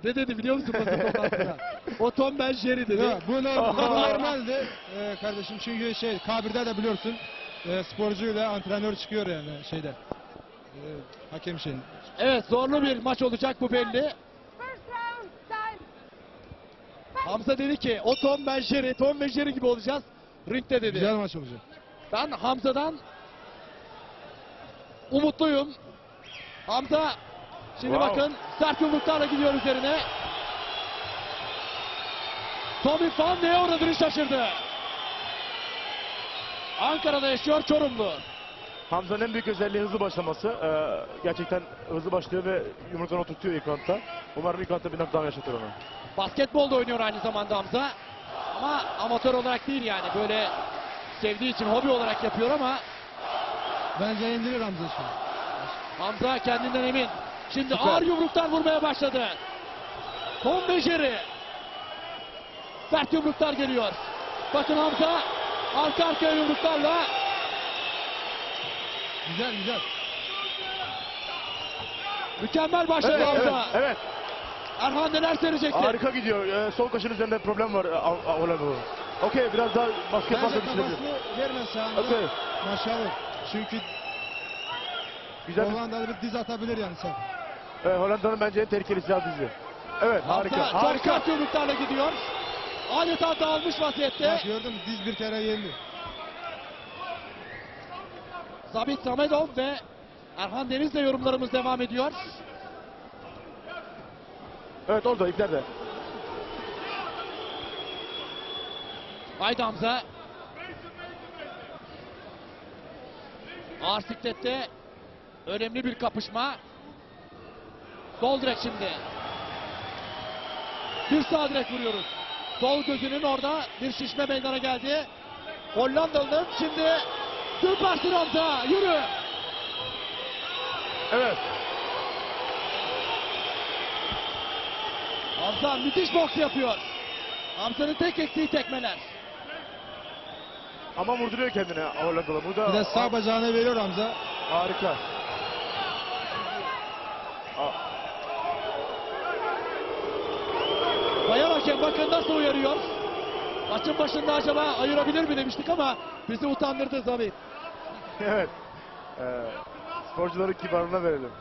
Ne dedi biliyor musun basın toplantısında? O Tom ben Jerry dedi. Ya, bu normaldi kardeşim, çünkü K1'de de biliyorsun sporcuyla antrenör çıkıyor yani şeyde. Hakem şeyin. Evet, zorlu bir maç olacak bu belli. Hamza dedi ki o Tom ben Jerry, Tom ve Jerry gibi olacağız ringde dedi. Güzel maç olacak. Ben Hamza'dan umutluyum. Hamza şimdi bakın sert yumruklarla gidiyor üzerine. Tommy Fan neye uğradığını şaşırdı. Ankara'da yaşıyor, Çorumlu. Hamza'nın en büyük özelliği hızlı başlaması. Gerçekten hızlı başlıyor ve yumruklarını oturtuyor ilk roundda. Umarım ilk roundda bir knockdown yaşatır ona. Basketbolda oynuyor aynı zamanda Hamza. Ama amatör olarak değil yani. Böyle sevdiği için hobi olarak yapıyor ama Bence indirir Hamza şimdi. Hamza kendinden emin. Şimdi Süper. ağır yumruklar vurmaya başladı. Tom ve Jerry. Sert yumruklar geliyor. Bakın Hamza arka arkaya yumruklarla. Güzel güzel. Mükemmel başladı Evet, evet, Hamza. evet. Erhan neler söyleyeceksin? Harika gidiyor. Sol kaşın üzerinde problem var. Okey, biraz daha basket Bence basket düşünebilir. kafasını vermez sağında. Okey. Maşallah. Çünkü Güzel bir... Hollandalı bir diz atabilir yani sen. Hollanda'nın bence en tehlikeli silah dizi. Evet, harika. Hamza çok Harika. sert yumruklarla gidiyor. Adeta dağılmış vaziyette. Bak gördün mü, diz bir kere yendi. Zabit Samedov ve Erhan Deniz'le yorumlarımız devam ediyor. Evet, orada iplerde. Haydi Hamza. Ağır siklette önemli bir kapışma. Sol direk şimdi. Bir sağ direk vuruyoruz. Sol gözünün orada bir şişme meydana geldi. Hollandalı'nın şimdi süpersin Hamza. Yürü. Evet. Hamza müthiş boks yapıyor. Hamza'nın tek eksiği tekmeler. Ama vurduruyor kendine Hollandalı. Burada Bir de sağ bacağını veriyor Hamza. harika. Bayan hakem bakın nasıl uyarıyor. Maçın başında acaba ayırabilir mi demiştik ama bizi utandırdı Zabit. Evet. Sporcuların kibarlığına verelim.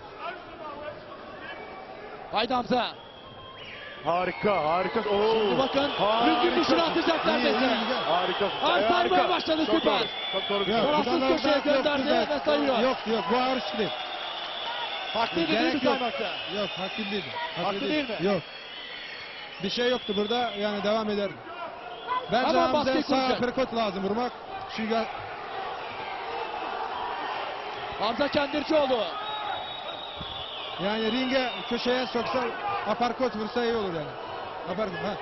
Haydi Hamza. Harika, harika. Oo. Şimdi bakın ringin dışına atacaklar İyi, iyi, bizi. güzel. Harika. Saymaya başladı, Çok süper. doğru, çok doğru. bir Yok, şey. Tarafsız bu kadar köşeye da gönderdi yoktu ve sayıyor. Yok yok, bu ağır değil. Haklı değil mi Gerek yok. saymakta? Yok, haklı değil. Haklı değil mi? Yok. Bir şey yoktu burada, yani devam ederdi. Bence Hemen Hamza'ya baskıyı sağ kuracak. perkot lazım vurmak. Çünkü Hamza Kendircioğlu. yani ringe köşeye soksa aparkot vursa iyi olur yani. Aparkot, ha.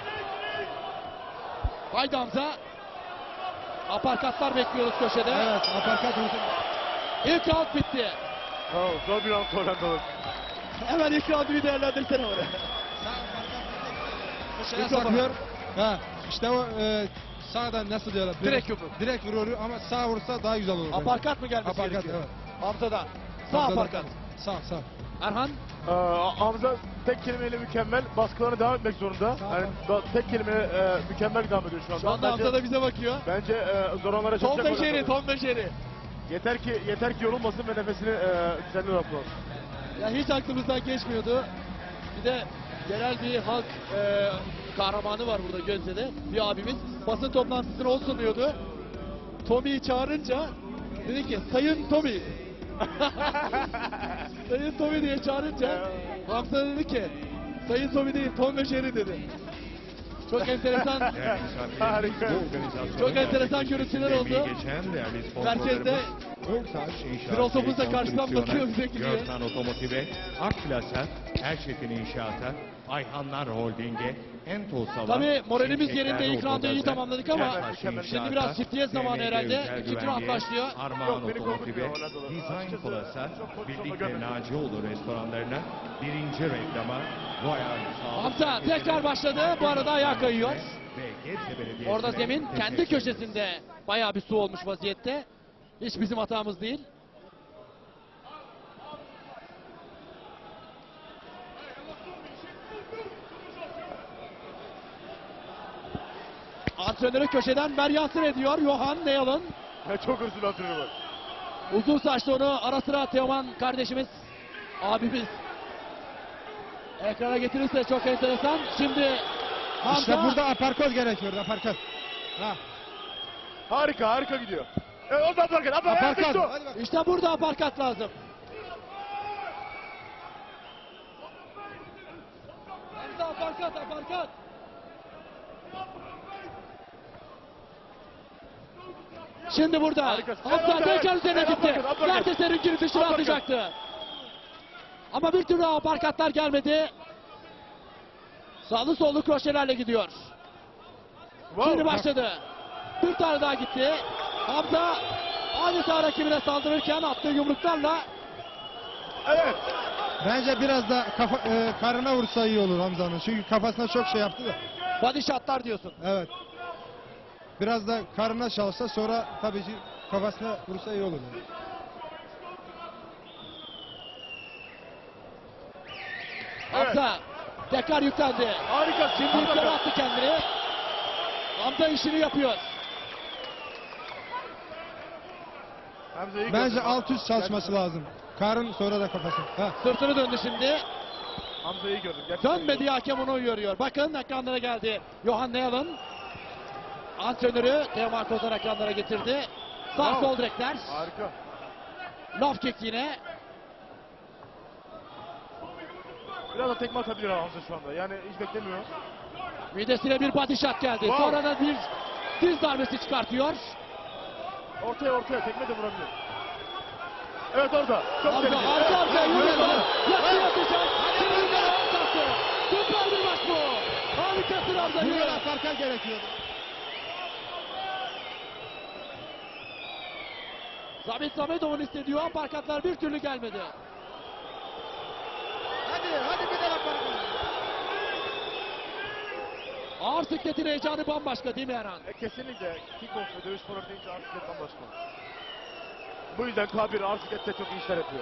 Haydi Hamza. Aparkatlar bekliyoruz köşede. Evet, aparkot vursa. İlk round bitti. Oh, zor bir round Hollandalı. Hemen ilk roundu bir değerlendirsene oraya. Köşeye saklıyor. Ha, işte o sağdan nasıl diyorlar? Direkt yumruk. Direkt vuruyor ama sağ vursa daha güzel olur. bence. Aparkat mı gelmesi Aparkat, gerekiyor? evet. Hamza'dan. Sağ Hamza'dan. aparkat. Sağ. Erhan. Hamza tek kelimeyle mükemmel. Baskılarına devam etmek zorunda. Yani tek kelimeyle mükemmel devam ediyor şu anda. Şu anda Hamza da bize bakıyor. Bence zor onlara Tom çalışacak. ve Jerry, Hollandalı. Tom ve Jerry. Yeter ki yorulmasın ve nefesini düzenli rahatlasın. Ya hiç aklımızdan geçmiyordu. Bir de genel bir halk kahramanı var burada Gözde'de. Bir abimiz basın toplantısına o sunuyordu. Tommy'yi çağırınca dedi ki Sayın Tommy. Sayın Tommy diye çağırınca Hamza dedi ki Sayın Tommy değil Tom ve Jerry dedi. Çok enteresan. Harika. Çok enteresan görüntüler oldu. Merkezde Filosofumuz da karşıdan bakıyor bize gidiyor. Görsan Otomotiv'e, Akplas'a, Erçetin İnşaat'a, Ayhanlar Holding'e, Entol Salon. Tabii moralimiz Şimşekler yerinde, ilk roundu iyi Otogazi, tamamladık ama Cerrahpaşa şimdi biraz İnşaat'a, çiftliğe zamanı TMG herhalde. Özel İkinci round Güvenliğe, başlıyor. Armağan Yok, beni Otomotiv'e, korkutmuyor Hollandalı. Design Açıkçası Plus'a, çok pozisyonda Birlik ve görmedim. Nacioğlu restoranlarına, birinci reklama, Royal Sağlık Hamza Merkezi'ne, tekrar başladı. Bu arada ayağa kayıyor. ve Gebze Belediyesi'ne Orada zemin kendi teşekkür ederiz. köşesinde bayağı bir su olmuş vaziyette. Hiç bizim hatamız değil. Antrenörü köşeden Meryansın ediyor. Johan Neal'ın. Çok hızlı bir antrenör var. Uzun saçlı onu ara sıra Teoman kardeşimiz, abimiz ekrana getirirse çok enteresan. Şimdi Hamza, İşte burada aparkat gerekiyor, aparkat. Ha, Harika gidiyor. Evet, o da aparkat. aparkat. Hadi Hadi bak. işte burada aparkat lazım. Hamza aparkat. Şimdi burada Harikasın. Hamza Evet, tekrar evet. üzerine Evet, gitti. aparkat. Mertens'in dışına Aparkat. atacaktı. Ama bir türlü aparkatlar gelmedi. Sağlı sollu kroşelerle gidiyor. Wow. Şimdi başladı. Bir tane daha gitti. Hamza adeta rakibine saldırırken attığı yumruklarla Evet. Bence biraz da karnına vursa iyi olur Hamza'nın. Çünkü kafasına çok şey yaptı da. body shotlar diyorsun. Evet. Biraz da karnına çalışsa sonra tabii ki kafasına vursa iyi olur. Yani. Hamza tekrar yüklendi. Harika. Şimdi yukarı attı kendini. Hamza işini yapıyor. Hamza iyi Bence gördü. alt üst çalışması lazım. Karın sonra da kafası. Ha. Sırtını döndü şimdi. Hamza iyi gördüm. Gerçekten iyi Dönmedi hakem onu uyarıyor. Bakın ekranlara geldi. Johan Neal'ın antrenörü Teoman Kozan ekranlara getirdi. Sağ Bravo. sol direkler. gördüm. Harika. Lof kick yine. Biraz da tekme atabilir Hamza şu anda. Yani hiç beklemiyor. Midesine bir body shot geldi. Wow. Sonra da bir diz darbesi çıkartıyor. Ortaya tekme de vurabilir. Evet orada. Çok Hamza tehlikeli. arka arkaya Evet, yürüyor. evet. Yattı yatacak. Şimdi yukarı kalktı. Süper bir maç bu. Harikasın Hamza. Burada Yürü. da aparkat gerekiyor. Sabit Samedov'un istediği aparkatlar bir türlü gelmedi. Hadi bir de aparkat. Ağır sikletin heyecanı bambaşka değil mi Erhan? Kesinlikle kickbox ve dövüş sporları deyince arsiklet bambaşka. Bu yüzden K1 arsiklette çok iyi işler yapıyor.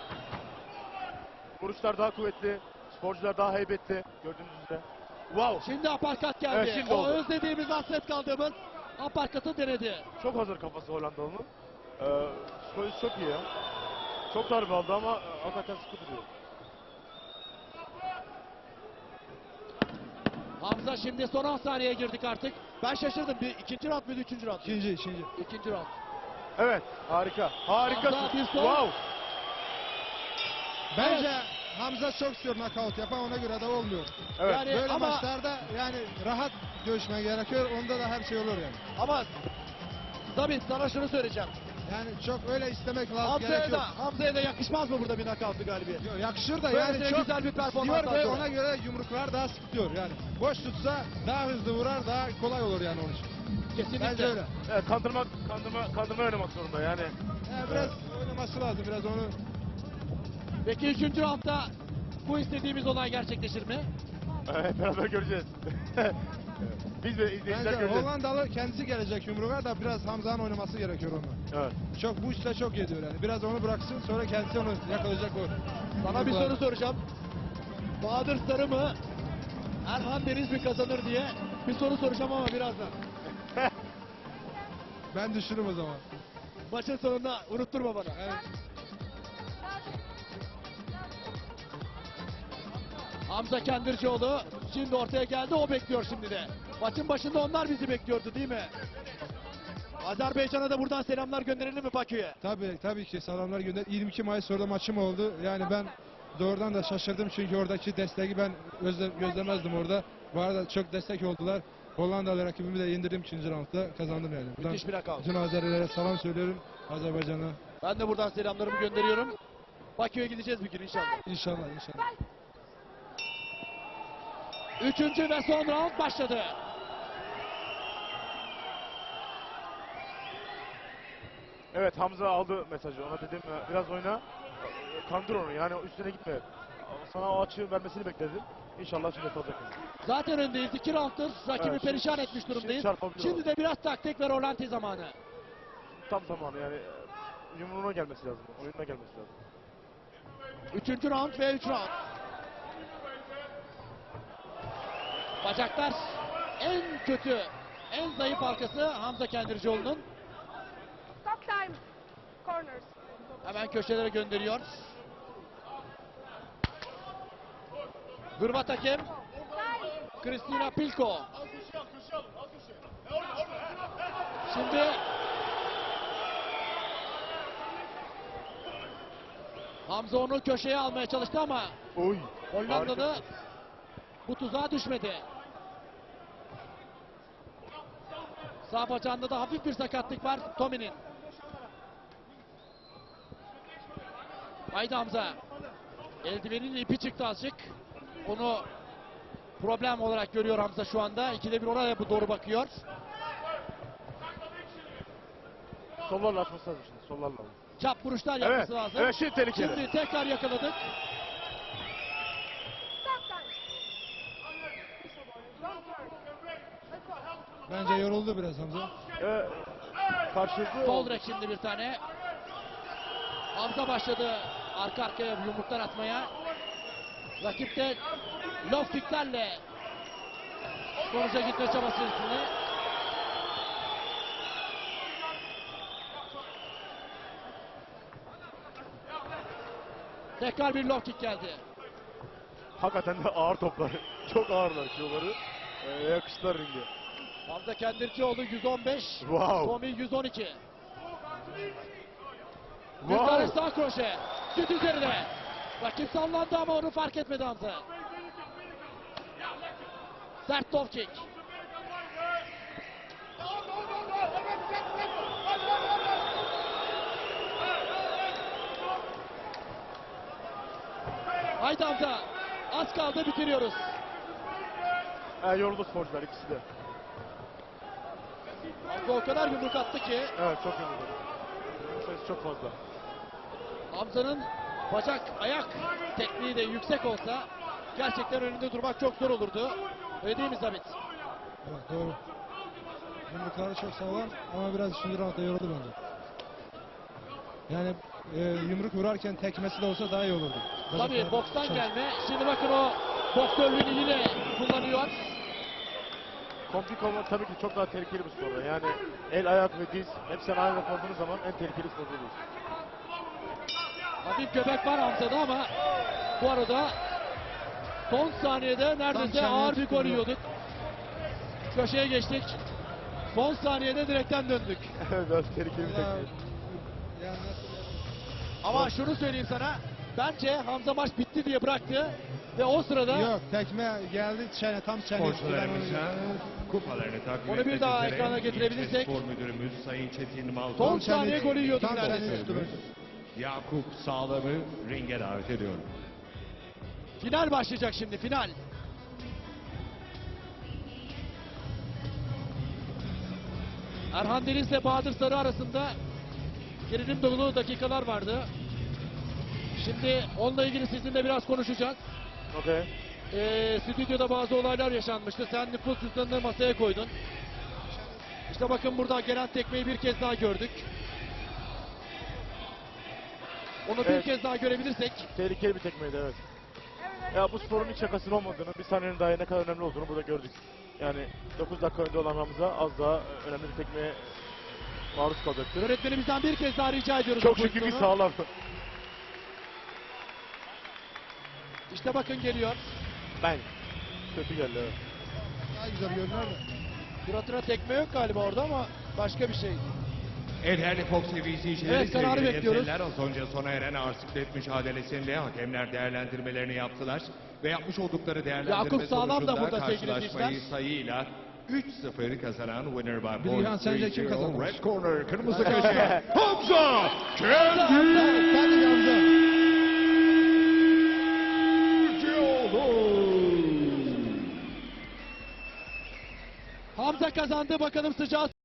Vuruşlar daha kuvvetli, sporcular daha heybetli gördüğünüz üzere. Wow! Şimdi aparkat geldi. Evet, şimdi o oldu. özlediğimiz, hasret kaldığımız aparkatı denedi. Çok hazır kafası Hollandalı'nın. Psikolojisi çok iyi ya. Çok darbe aldı ama hakikaten sıkı duruyor. Hamza şimdi son 10 saniyeye girdik artık. Ben şaşırdım. Bir ikinci round muydu, üçüncü round muydu? İkinci. İkinci round. Evet, harika. Harikasın. Hamza bir sol. Wow! Bence Hamza çok istiyor knockout yapan, ona göre de olmuyor. Evet. Yani Böyle ama, maçlarda yani rahat dövüşme gerekiyor. Onda da her şey olur yani. ama Sabit sana şunu söyleyeceğim. Yani çok öyle istemek lazım, gerekiyor. Hamza'ya da yakışmaz mı burada bir knockoutlu galibiyet? Yo, yakışır da Böylesine yani çok güzel bir performans istiyor ve sonra. ona göre yumruklar daha sık tutuyor yani. Boş tutsa daha hızlı vurar, daha kolay olur yani onun için. Kesinlikle. Bence öyle. Evet, kandırma oynamak zorunda yani. Yani biraz oynaması lazım, biraz onu. Peki üçüncü roundda bu istediğimiz olay gerçekleşir mi? Evet, beraber göreceğiz. Biz de izleyiciler Bence göreceğiz. Hollandalı kendisi gelecek yumruğa da biraz Hamza'nın oynaması gerekiyor ona. Evet. Çok bu işte çok yediyor yani. Biraz onu bıraksın, sonra kendisi onu yakalayacak o. Sana bir yumruklarla. soru soracağım. Bahadır Sarı mı, Erhan Deniz mi kazanır diye bir soru soracağım ama birazdan. Ben düşünürüm o zaman. Maçın sonunda unutturma bana. Evet. Hamza Kendircioğlu şimdi ortaya geldi, o bekliyor şimdi de. Maçın başında onlar bizi bekliyordu değil mi? Azerbaycan'a da buradan selamlar gönderelim mi Bakü'ye? Tabii ki selamlar gönder. 22 Mayıs sonra maçım oldu. Yani ben doğrudan da şaşırdım çünkü oradaki desteği ben gözlemezdim orada. Bu arada çok destek oldular. Hollandalı rakibimi de yendirdim 2. roundda, kazandım yani. Buradan Müthiş bir rakam. bütün Azerilere selam söylüyorum, Azerbaycan'a. Ben de buradan selamlarımı gönderiyorum. Bakü'ye gideceğiz bir gün inşallah. İnşallah. Üçüncü ve son round başladı. Evet, Hamza aldı mesajı. Ona dedim biraz oyna. Kandır onu yani üstüne gitme. Sana o açığı vermesini bekledim. İnşallah şimdi yapacak. Zaten öndeyiz. 2 rounddur. Rakibi Evet, perişan şimdi- etmiş durumdayız. şimdi çarpabilir Şimdi o. de biraz taktik ve rolanti zamanı. Tam zamanı yani yumruğuna gelmesi lazım. Oyununa gelmesi lazım. Üçüncü round ve 3 round. Bacaklar en kötü En zayıf halkası Hamza Kendircioğlu'nun. Stop time. Corners. Hemen köşelere gönderiyor. Hırvat hakem Kristina Pilko. Şimdi Hamza onu köşeye almaya çalıştı ama Oy. Hollandalı Harika. bu tuzağa düşmedi. Sağ bacağında da hafif bir sakatlık var Tommy'nin. Haydi Hamza. Eldivenin ipi çıktı azıcık. Onu problem olarak görüyor Hamza şu anda. İkide bir oraya doğru bakıyor. Sollarla açması lazım şimdi. Sollarla. Çap vuruşlar Evet. yapması lazım. Evet şimdi tehlikeli. Şimdi tekrar yakaladık. Stop time. Don't turn. Let's go. Bence yoruldu biraz Hamza. Karşılıklı Sol oldu. direk şimdi bir tane. Hamza başladı arka arkaya yumruklar atmaya. Rakip de low kicklerle sonuca gitme çabası içinde. Tekrar bir low kick geldi. Hakikaten de ağır toplar. Çok ağırlar kiloları. Yakıştılar ringe. Hamza Kendircioğlu 115, Wow. Tommy 112. Bir Wow. tane sağ kroşe. Süt üzerine. Rakip sallandı ama onu fark etmedi Hamza. Sert top kick. Haydi Hamza. Az kaldı bitiriyoruz. Yoruldu sporcular ikisi de. Hamza o kadar yumruk attı ki Evet çok yoruldu. Sayısı çok fazla. Hamza'nın bacak ayak tekniği de yüksek olsa gerçekten önünde durmak çok zor olurdu. Öyle değil mi Zabit? Evet, doğru. Yumrukları çok sağlam ama biraz üçüncü roundda yoruldu bence. Yani yumruk vurarken tekmesi de olsa daha iyi olurdu. Tabii Bacaklar bokstan çalış- gelme. Şimdi bakın o boksörlüğünü yine kullanıyor. Komplik olmak tabii ki çok daha tehlikeli bir sporda. Yani el, ayak ve diz hepsini aynı koyduğunuz zaman en tehlikeli spor oluyor. Hafif göbek var Hamza'da ama bu arada son saniyede neredeyse çeneye ağır bir gol tutturdu. yiyorduk. Köşeye geçtik. Son saniyede direkten döndük. Biraz tehlikeli bir Ya, teknik. yani nasıl- Ama şunu söyleyeyim sana. Bence Hamza maç bitti diye bıraktı. Ve o sırada Yok, tekme geldi tam çene üstü. Ben onu- Sporcularımıza kupalarını takdim Onu bir etmek daha üzere ekrana getirebilirsek. İlçe Spor Müdürümüz Sayın Çetin Malkoç Son Tam çene- saniye golü yiyorduk tam neredeyse. çene üstü böyle. Yakup Sağlam'ı ringe davet ediyorum. Final başlayacak şimdi, final. Erhan Deniz ile Bahadır Sarı arasında gerilim dolu dakikalar vardı. Şimdi onunla ilgili sizinle biraz konuşacağız. Okey. Stüdyoda bazı olaylar yaşanmıştı. Sen nüfus cüzdanını masaya koydun. İşte bakın burada gelen tekmeyi bir kez daha gördük. Onu bir Evet. kez daha görebilirsek. Tehlikeli bir tekmeydi evet. Ya bu sporun hiç şakasının olmadığını, bir saniyenin daha ne kadar önemli olduğunu burada gördük. Yani 9 dakika önde olan Hamza az daha önemli bir tekmeye maruz kalacaktır. Yönetmenimizden bir kez daha rica ediyoruz. Çok bu şükür bir pozisyonu. sağlam. İşte bakın geliyor. Ben. Kötü geldi evet. Daha güzel görünüyor da. Suratına tekme yok galiba orada ama başka bir şey. Değerli Fox TV izleyicileri, Evet, kararı sevgili bekliyoruz. izleyiciler, az önce sona eren ağır siklet mücadelesinde hakemler değerlendirmelerini yaptılar ve yapmış oldukları değerlendirme Yakup Sağlam da sonucunda burada sevgili karşılaşmayı izleyiciler. sayıyla 3-0 kazanan winner by Bilgehan, points sence kim 3-0, kazanmış? Red corner, kırmızı köşe, Hamza Kendi. Hadi Hamza. Hamza kazandı, bakalım sıcağı